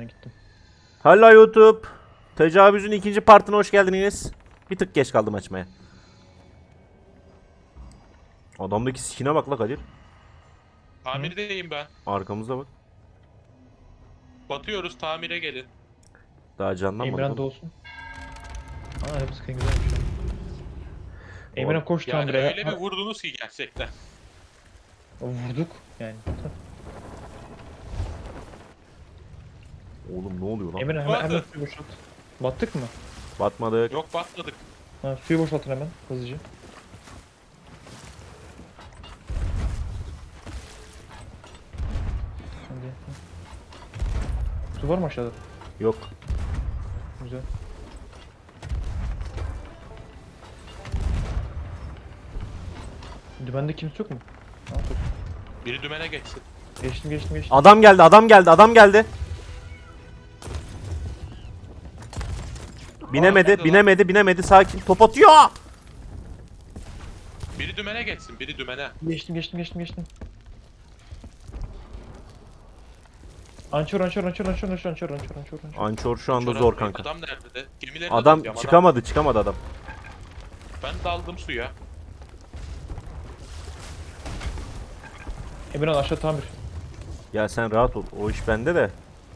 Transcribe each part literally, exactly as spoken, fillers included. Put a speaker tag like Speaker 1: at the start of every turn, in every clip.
Speaker 1: gittim.
Speaker 2: Hello YouTube. Tecavüzün ikinci partına hoş geldiniz. Bir tık geç kaldım açmaya. Adamdaki skin'e bak la Kadir.
Speaker 3: Tamirdeyim ben.
Speaker 2: Arkamıza bak.
Speaker 3: Batıyoruz, tamire gelin.
Speaker 2: Daha canlanmadı.
Speaker 1: Emirhan da
Speaker 2: oğlum.
Speaker 1: olsun. Aa hep sıkın güzelmiş. Emirhan koş
Speaker 3: Yani
Speaker 1: tamire.
Speaker 3: öyle bir vurdunuz ki gerçekten.
Speaker 1: Vurduk yani.
Speaker 2: Oğlum ne oluyor lan?
Speaker 1: Emirhan hemen, hemen
Speaker 3: Batı.
Speaker 1: suyu boşalt. Battık mı?
Speaker 2: Batmadık.
Speaker 3: Yok batmadık.
Speaker 1: Ha, suyu boşaltın hemen hızlıca. Hadi. Su var mı aşağıda?
Speaker 2: Yok.
Speaker 1: Güzel. Dümende kimse yok mu? Ha, yok.
Speaker 3: Biri dümene geçsin.
Speaker 1: Geçtim geçtim geçtim.
Speaker 2: Adam geldi, adam geldi, adam geldi. Binemedi,
Speaker 3: nerede lan?
Speaker 2: binemedi, binemedi. Sakin. Top atıyor.
Speaker 3: Biri dümene geçsin, biri dümene.
Speaker 1: Geçtim geçtim geçtim geçtim. Ançor ançor ançor ançor ançor ançor ançor ançor ançor.
Speaker 2: Ançor şu anda
Speaker 3: Çorap
Speaker 2: zor
Speaker 3: Bey,
Speaker 2: kanka.
Speaker 3: Adam nerede? Gemilerine
Speaker 2: Adam
Speaker 3: bakıyorum,
Speaker 2: çıkamadı, çıkamadı adam.
Speaker 3: Ben daldım suya.
Speaker 1: Emirhan aşağı tamir.
Speaker 2: Ya sen rahat ol. O iş bende de.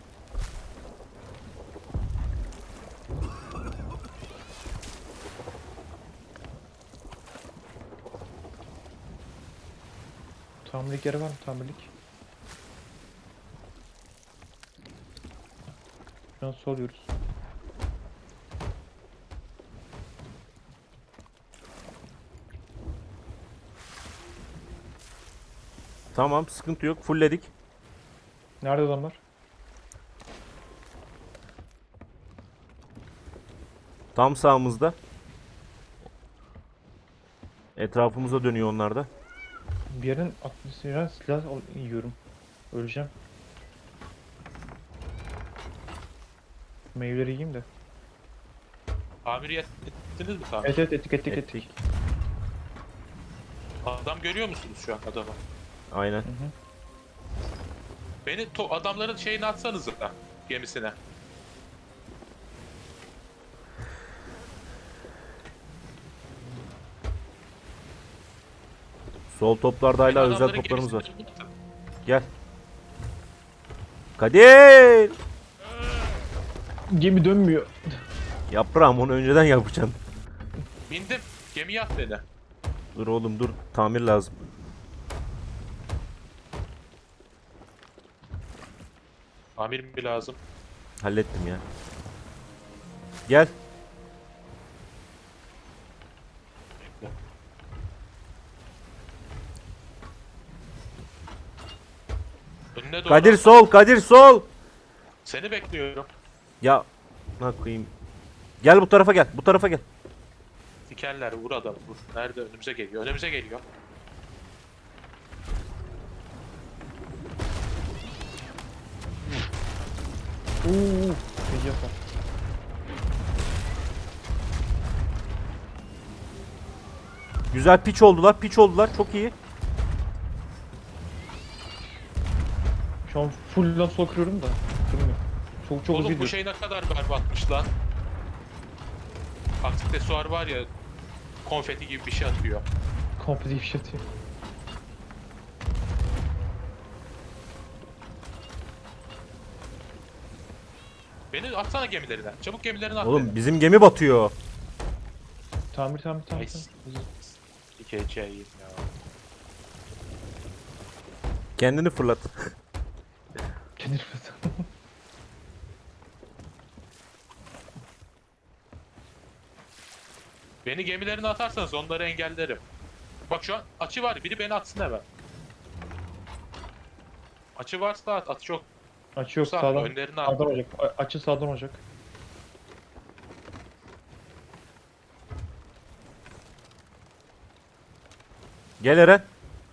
Speaker 1: Tamirlik yeri var mı tamirlik? Şu an soluyoruz.
Speaker 2: Tamam, sıkıntı yok. Fullledik.
Speaker 1: Nerede adamlar?
Speaker 2: Tam sağımızda. Etrafımıza dönüyor onlar da.
Speaker 1: Bir yerin atmosferinden silah al- yiyorum. Öleceğim. Meyveleri yiyeyim de.
Speaker 3: Tamir ettiniz mi tamir?
Speaker 1: Evet evet ettik ettik ettik.
Speaker 2: Ettik.
Speaker 3: Adam görüyor musunuz şu an adamı?
Speaker 2: Aynen.
Speaker 1: Hı hı.
Speaker 3: Beni to adamların şeyini atsanız da gemisine.
Speaker 2: Sol toplarda hala
Speaker 3: Beni
Speaker 2: özel
Speaker 3: adamların
Speaker 2: toplarımız var.
Speaker 3: gemisine atın.
Speaker 2: Gel. Kadir!
Speaker 1: Gemi dönmüyor.
Speaker 2: Yaprağım onu önceden yapacaksın.
Speaker 3: Bindim. Gemiye at beni.
Speaker 2: Dur oğlum dur. Tamir lazım.
Speaker 3: Tamir mi lazım?
Speaker 2: Hallettim ya. Gel.
Speaker 3: Önüne doğru.
Speaker 2: Kadir sol, Kadir sol.
Speaker 3: Seni bekliyorum.
Speaker 2: Ya ne koyayım. Gel bu tarafa gel. Bu tarafa gel.
Speaker 3: Sikerler, vur adamı vur. Nerede? Önümüze geliyor. Önümüze geliyor.
Speaker 1: Uuu. Peki yapar.
Speaker 2: Güzel piç oldular. Piç oldular. Çok iyi.
Speaker 1: Şu an full lan sol kırıyorum da. Kırmıyor. Çok çok hızlı
Speaker 3: Oğlum bu
Speaker 1: gidiyor.
Speaker 3: şey ne kadar berbatmış lan. Aksesuar var ya, konfeti gibi bir şey atıyor.
Speaker 1: Komple bir şey atıyor.
Speaker 3: Beni atsana gemilerine. Çabuk gemilerine at
Speaker 2: Oğlum
Speaker 3: beni.
Speaker 2: bizim gemi batıyor.
Speaker 1: Tamir tamir tamir.
Speaker 3: Nice.
Speaker 1: tamir. Hızlı.
Speaker 3: Dikeceğim ya.
Speaker 2: Kendini fırlat.
Speaker 1: Kendini fırlat.
Speaker 3: Beni gemilerine atarsanız onları engellerim. Bak şu an açı var. Biri beni atsın hemen. Açı varsa at. Açı yok.
Speaker 1: Açı yok
Speaker 3: Sağ,
Speaker 1: sağdan.
Speaker 3: önlerine at.
Speaker 1: Sağdan olacak. A- Açı sağdan olacak.
Speaker 2: Gel Eren.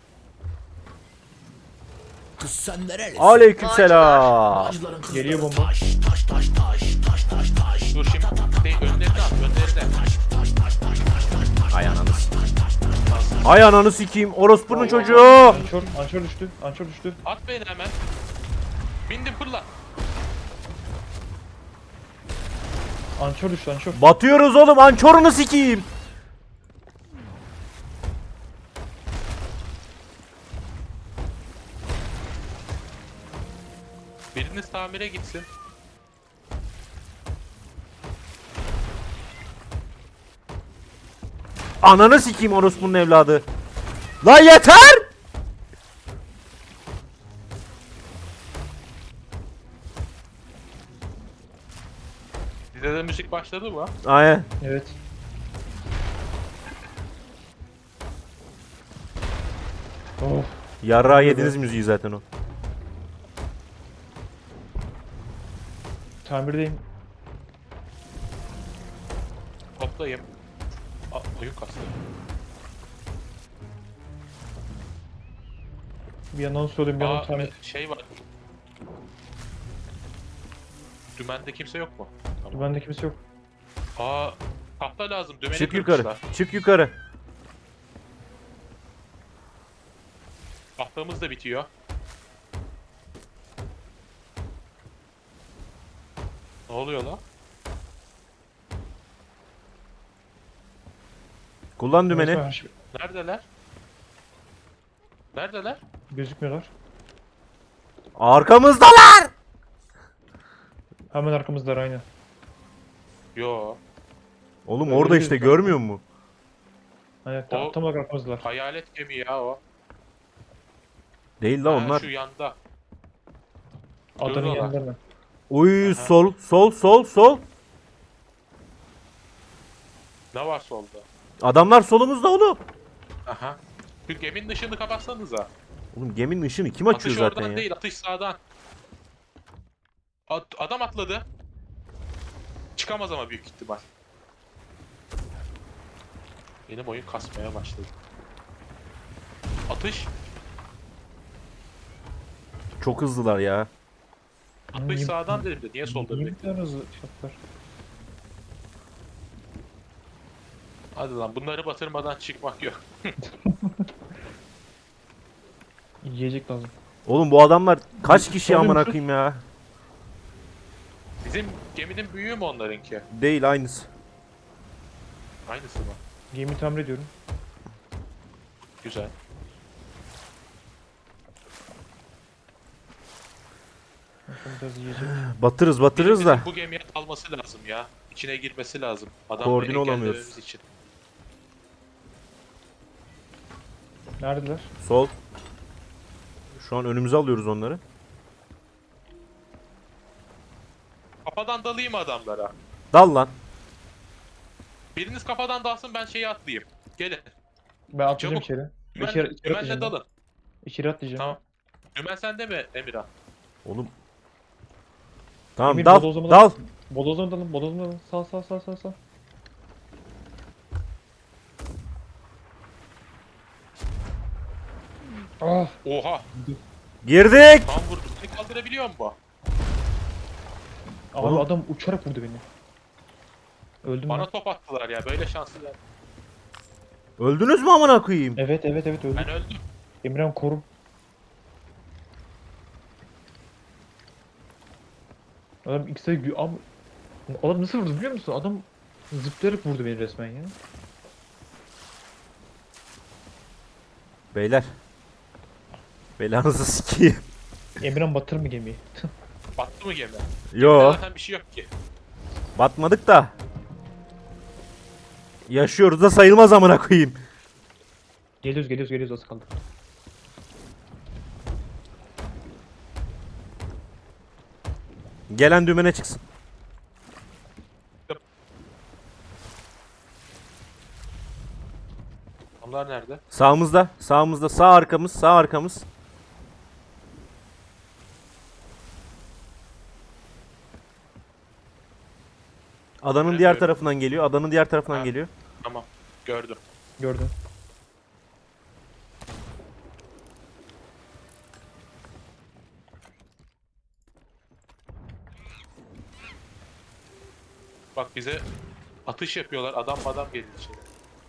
Speaker 4: Kız sen nerelisin?
Speaker 2: Aleykümselam.
Speaker 4: Bağcıların kızları
Speaker 1: Geliyor bomba.
Speaker 4: Taş taş taş taş taş taş taş.
Speaker 3: Dur şimdi. Değil, önlerine at. Önlerine.
Speaker 2: Ay ananı s- Ay ananı sikeyim. Orospunun çocuğu.
Speaker 1: Ançor, ançor düştü. Ançor düştü.
Speaker 3: At beni hemen. Bindim fırla.
Speaker 1: Ançor düştü ançor.
Speaker 2: Batıyoruz oğlum, ançorunu sikeyim.
Speaker 3: Biriniz tamire gitsin.
Speaker 2: Ananı sikeyim orospunun evladı. Lan yeter!
Speaker 3: Size de müzik başladı mı?
Speaker 2: Aynen.
Speaker 1: Evet. Oh.
Speaker 2: Yarrağı yediniz müziği zaten o.
Speaker 1: Tamirdeyim.
Speaker 3: Toplayayım. Aa, oyun kastı.
Speaker 1: Bir yandan söyleyeyim bir yandan
Speaker 3: Aa,
Speaker 1: tamir.
Speaker 3: şey var. Dümende kimse yok mu? Tamam.
Speaker 1: Bende kimse yok.
Speaker 3: Aa, tahta lazım. Dümeni
Speaker 2: Çık yukarı.
Speaker 3: kırmışlar.
Speaker 2: Çık yukarı.
Speaker 3: Tahtamız da bitiyor. Ne oluyor lan?
Speaker 2: Kullan dümeni.
Speaker 1: Neyse, her şey-
Speaker 3: Neredeler? Neredeler?
Speaker 1: Gözükmüyorlar.
Speaker 2: Arkamızdalar.
Speaker 1: Hemen arkamızdalar aynı.
Speaker 3: Yo.
Speaker 2: Oğlum
Speaker 1: Öyle
Speaker 2: orada
Speaker 1: değil
Speaker 2: işte,
Speaker 1: mi?
Speaker 2: görmüyor musun?
Speaker 1: Aynen tam,
Speaker 3: O-
Speaker 1: tam olarak arkamızdalar.
Speaker 3: Hayalet gemi ya o.
Speaker 2: Değil la
Speaker 3: Ha,
Speaker 2: onlar.
Speaker 3: şu yanda.
Speaker 1: Adanın
Speaker 3: Şuradalar.
Speaker 1: yanlarına.
Speaker 2: Uy,
Speaker 3: Aha.
Speaker 2: sol sol sol sol.
Speaker 3: Ne var solda?
Speaker 2: Adamlar solumuzda oğlum.
Speaker 3: Aha. Bir geminin ışığını kapatsanıza.
Speaker 2: Oğlum geminin ışığını kim açıyor
Speaker 3: Atış
Speaker 2: zaten
Speaker 3: oradan
Speaker 2: ya?
Speaker 3: değil, atış sağdan. At- adam atladı. Çıkamaz ama büyük ihtimal. Benim oyun kasmaya başladı. Atış.
Speaker 2: Çok hızlılar ya.
Speaker 3: Atış
Speaker 1: Niye-
Speaker 3: sağdan dedim de niye solda
Speaker 1: Niye
Speaker 3: bir?
Speaker 1: bu kadar hızlı şartlar?
Speaker 3: Hadi lan bunları batırmadan çıkmak yok.
Speaker 1: Yiyecek lazım.
Speaker 2: Oğlum bu adamlar kaç kişi
Speaker 1: Sorun
Speaker 2: amına
Speaker 1: şu-
Speaker 2: koyayım ya?
Speaker 3: Bizim geminin büyüğü mü onlarınki?
Speaker 2: Değil, aynısı.
Speaker 3: Aynısı mı?
Speaker 1: Gemi tamir ediyorum.
Speaker 3: Güzel.
Speaker 1: Bakalım biraz yiyecek.
Speaker 2: Batırız batırız da.
Speaker 3: Bizim bu gemiye alması lazım ya. İçine girmesi lazım. Adamları
Speaker 2: Koordine olamıyoruz.
Speaker 3: engellememiz için.
Speaker 1: Neredeler?
Speaker 2: Sol. Şu an önümüze alıyoruz onları.
Speaker 3: Kafadan dalayım adamlara.
Speaker 2: Dal lan.
Speaker 3: Biriniz kafadan dalsın ben şeyi atlayayım. Gelin.
Speaker 1: Ben atlayacağım
Speaker 3: Çabuk.
Speaker 1: içeri.
Speaker 3: Dümen,
Speaker 1: İçeri, içeri
Speaker 3: dümenle
Speaker 1: atlayacağım.
Speaker 3: dalın.
Speaker 1: İçeri atlayacağım.
Speaker 3: Tamam. Dümen sende mi Emirhan?
Speaker 2: Oğlum. Tamam,
Speaker 1: Emir,
Speaker 2: dal.
Speaker 1: bodozlama
Speaker 2: Dal.
Speaker 1: Bodozlama dalın, bodozlama dalın. Sağ sağ sağ sağ sağ. Ah,
Speaker 3: Oha!
Speaker 2: Girdik.
Speaker 3: Tam vurdum. Seni kaldırabiliyor mu bu?
Speaker 1: abi
Speaker 2: Oğlum.
Speaker 1: adam uçarak vurdu beni. Öldüm
Speaker 3: Bana
Speaker 1: ben.
Speaker 3: top attılar ya. Böyle şanslı ben.
Speaker 2: Öldünüz mü amına koyayım?
Speaker 1: Evet evet evet öldüm.
Speaker 3: Ben öldüm.
Speaker 1: Emirhan korum. Adam X'e gü... Am... Adam nasıl vurdu biliyor musun? Adam zıplayarak vurdu beni resmen ya.
Speaker 2: Beyler. Belanızı sikeyim.
Speaker 1: Emirhan batır mı gemiyi?
Speaker 3: Battı mı gemi?
Speaker 2: Yo,
Speaker 3: Zaten bir şey yok ki.
Speaker 2: batmadık da. Yaşıyoruz da sayılmaz amına koyayım.
Speaker 1: Geliyoruz geliyoruz geliyoruz az kaldı.
Speaker 2: Gelen dümene çıksın.
Speaker 3: Onlar nerede?
Speaker 2: Sağımızda, sağımızda, sağ arkamız, sağ arkamız. Adanın diğer
Speaker 3: Göremiyorum.
Speaker 2: tarafından geliyor. Adanın diğer tarafından
Speaker 3: Ha.
Speaker 2: geliyor.
Speaker 3: Tamam. Gördüm.
Speaker 1: Gördüm.
Speaker 3: Bak bize atış yapıyorlar. Adam adam geliyor içeri.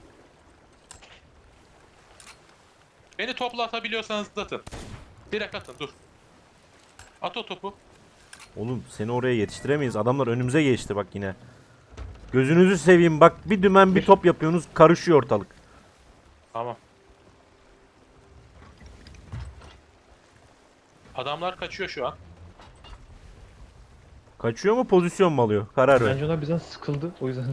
Speaker 3: Beni topla atabiliyorsanız atın. Direkt atın dur. At o topu.
Speaker 2: Oğlum seni oraya yetiştiremeyiz. Adamlar önümüze geçti bak yine. Gözünüzü seveyim bak, bir dümen bir
Speaker 1: Bir.
Speaker 2: top yapıyorsunuz, karışıyor ortalık.
Speaker 3: Tamam. Adamlar kaçıyor şu an.
Speaker 2: Kaçıyor mu, pozisyon mu alıyor? Karar ver.
Speaker 1: Bence onlar bizden sıkıldı. O yüzden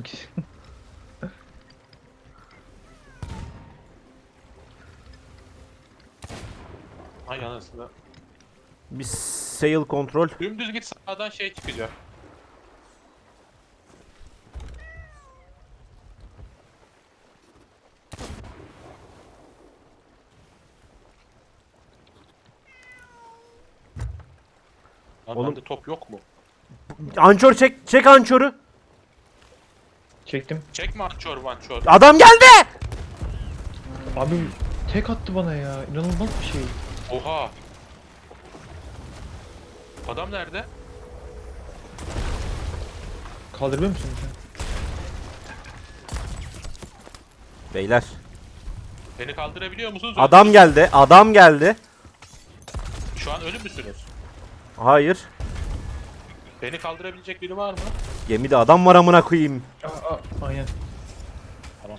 Speaker 3: Ay anasını.
Speaker 2: Bir sail kontrol.
Speaker 3: Dümdüz git, sağdan şey çıkacak. Lan
Speaker 2: Oğlum-
Speaker 3: bende top yok mu?
Speaker 2: Ançor çek, çek ançoru.
Speaker 1: çektim.
Speaker 3: Çekme ançor mançor.
Speaker 2: Adam geldi.
Speaker 1: Abi tek attı bana ya. İnanılmaz bir şey.
Speaker 3: Oha. Adam nerede?
Speaker 1: Kaldırıyor musun sen?
Speaker 2: Beyler,
Speaker 3: Beni kaldırabiliyor musunuz?
Speaker 2: adam geldi, adam geldi.
Speaker 3: Şu an ölü müsünüz?
Speaker 2: Hayır.
Speaker 3: Beni kaldırabilecek biri var mı?
Speaker 2: Gemide adam var amına koyayım.
Speaker 1: Aa, aa, aynen.
Speaker 3: Tamam.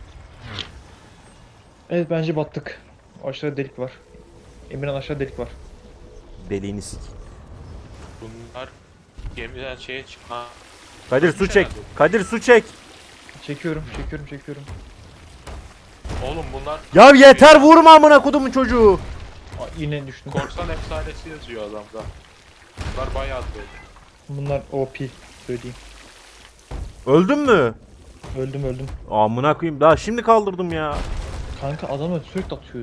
Speaker 1: Evet bence battık. Aşağıda delik var. Emirhan aşağıda delik var.
Speaker 2: Deliğini sik.
Speaker 3: Bunlar gemiden şeye çık. Ha.
Speaker 2: Kadir su çek. Kadir su çek.
Speaker 1: Çekiyorum, çekiyorum, çekiyorum.
Speaker 3: Oğlum bunlar
Speaker 2: Ya yeter, vurma amına kodumun çocuğu.
Speaker 1: Aa, yine düştüm.
Speaker 3: korsan efsanesi yazıyor adamda. Bunlar bayağı böyle.
Speaker 1: Bunlar O P söyleyeyim.
Speaker 2: Öldün mü?
Speaker 1: Öldüm öldüm.
Speaker 2: Amına koyayım, daha şimdi kaldırdım ya.
Speaker 1: Kanka adamlar sürekli atıyor.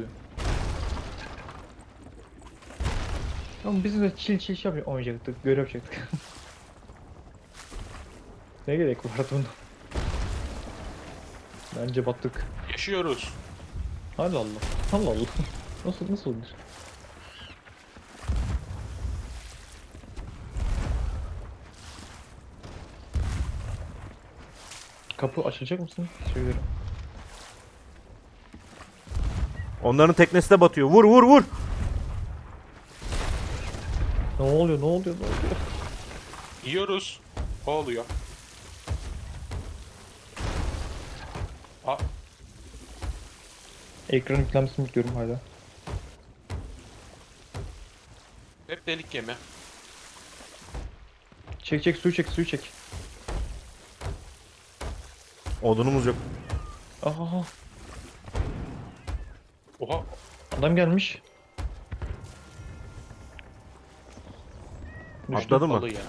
Speaker 1: Ama bizim de chill chill şey yapacak- oynayacaktık, görev yapacaktık. Ne gerek vardı bunda? Bence battık.
Speaker 3: Yaşıyoruz.
Speaker 1: Allah Allah. Allah Allah. Nasıl nasıl olur? Kapı açacak mısın? Söylerim.
Speaker 2: Onların teknesi de batıyor. Vur vur vur.
Speaker 1: Ne oluyor? Ne oluyor? Ne oluyor?
Speaker 3: Yiyoruz. O oluyor. Aa,
Speaker 1: Ekran yüklenmesini bekliyorum hala.
Speaker 3: hep delik gemi.
Speaker 1: Çek çek suyu çek suyu çek.
Speaker 2: Odunumuz yok.
Speaker 1: Aha
Speaker 3: Oha.
Speaker 1: adam gelmiş. Düştü.
Speaker 2: Atladı mı?
Speaker 3: Balı ya.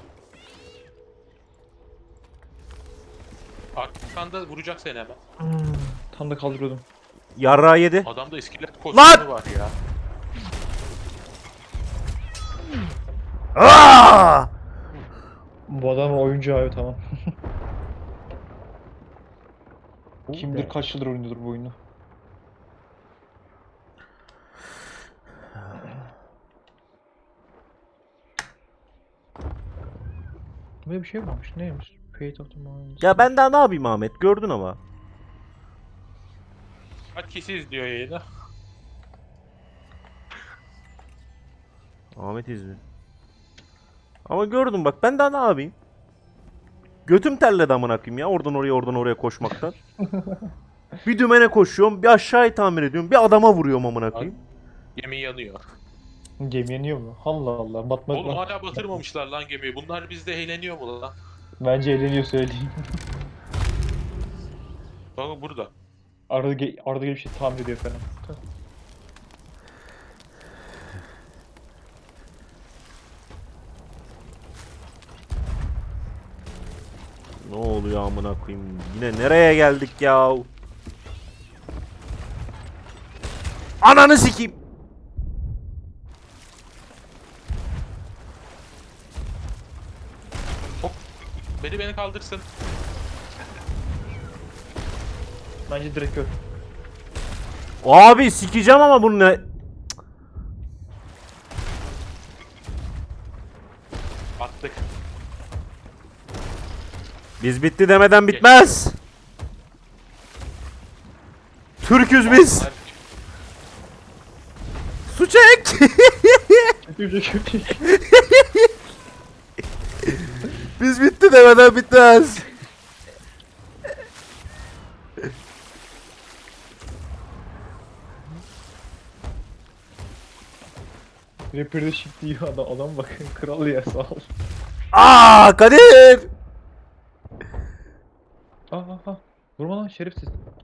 Speaker 3: Arkanda vuracak seni hemen.
Speaker 1: Hmm, tam da kaldırıyordum.
Speaker 2: Yarrağı yedi.
Speaker 3: Adamda iskelet
Speaker 2: Lan!
Speaker 3: kostümü var ya.
Speaker 2: Aa!
Speaker 1: Bu adam oyuncu abi tamam. Kim bilir kaç yıldır oynuyordur bu oyunu. Böyle bir şey varmış. Neymiş? Fate of the Minds.
Speaker 2: Ya ben daha ne yapayım Ahmet? Gördün ama.
Speaker 3: Kaç kişi izliyor yayını?
Speaker 2: Ahmet izliyor. Ama gördüm bak, ben daha ne yapayım? Götüm terledi amına koyayım ya, oradan oraya oradan oraya koşmaktan. Bir dümene koşuyorum, bir aşağıyı tamir ediyorum, bir adama vuruyorum amına koyayım.
Speaker 3: Gemi yanıyor.
Speaker 1: Gemi yanıyor mu? Allah Allah. Batmak
Speaker 3: Oğlum
Speaker 1: var.
Speaker 3: hala batırmamışlar lan gemiyi. Bunlar bizde eğleniyor mu lan?
Speaker 1: Bence eğleniyor söyleyeyim.
Speaker 3: Bakın burada.
Speaker 1: Arada, ge arada gelip şey tamir ediyor falan.
Speaker 2: Ne oluyor amına koyayım? Yine nereye geldik ya? Ananı sikeyim.
Speaker 3: Beni beni kaldırsın.
Speaker 1: Bence direkt öl.
Speaker 2: Abi sikeceğim ama bunu ne?
Speaker 3: Attık.
Speaker 2: Biz bitti demeden bitmez. Türküz biz.
Speaker 3: Onlar-
Speaker 2: Su çek.
Speaker 1: Çekiyor çekiyor.
Speaker 2: Biz bitti demeden bitmez.
Speaker 1: Rapper'de shift diyor adam, adam bak kral ya sağ ol.
Speaker 2: Aa Kadir!
Speaker 1: Aa aa aa. Vurma lan şerefsiz.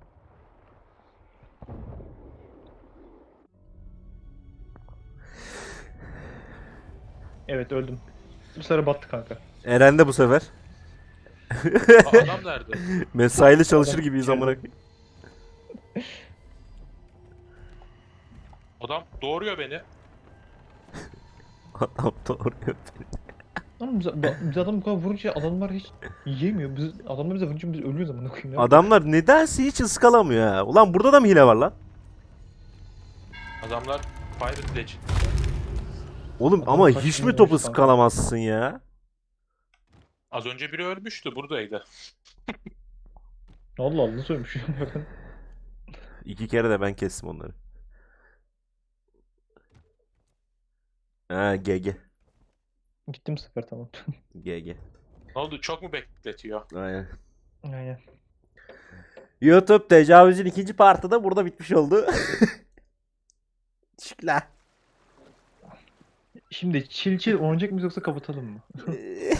Speaker 1: Evet öldüm. Bu sefer battı kanka.
Speaker 2: Eren de bu sefer.
Speaker 3: Aa, adam nerede?
Speaker 2: Mesaili çalışır
Speaker 1: Adam
Speaker 2: gibiyiz
Speaker 1: içeride.
Speaker 2: amına koyayım.
Speaker 3: Adam doğuruyor beni.
Speaker 2: Adam doğru.
Speaker 1: Ama biz, ba- biz adam bu kadar vurunca adamlar hiç yiyemiyor. Biz, adamlar bize vurunca biz ölüyoruz amına koyayım. ya.
Speaker 2: Adamlar nedense hiç ıskalamıyor ha. Ulan burada da mı hile var lan?
Speaker 3: Adamlar Pirate Legend.
Speaker 2: Oğlum
Speaker 1: Adam
Speaker 2: ama
Speaker 1: kaç
Speaker 2: hiç
Speaker 1: bin
Speaker 2: mi topu
Speaker 1: olmuş kanka?
Speaker 2: ıskalamazsın ya?
Speaker 3: Az önce biri ölmüştü buradaydı.
Speaker 1: Allah Allah nasıl ölmüş bakın.
Speaker 2: İki kere de ben kestim onları. Ha G G.
Speaker 1: Gittim bu sefer tamam.
Speaker 2: G G.
Speaker 3: Ne oldu? Çok mu bekletiyor?
Speaker 2: Aynen.
Speaker 1: Aynen.
Speaker 2: YouTube tecavüzün ikinci partı da burada bitmiş oldu. Teşekkürler.
Speaker 1: Şimdi çil çil oynayacak mıyız yoksa kapatalım mı?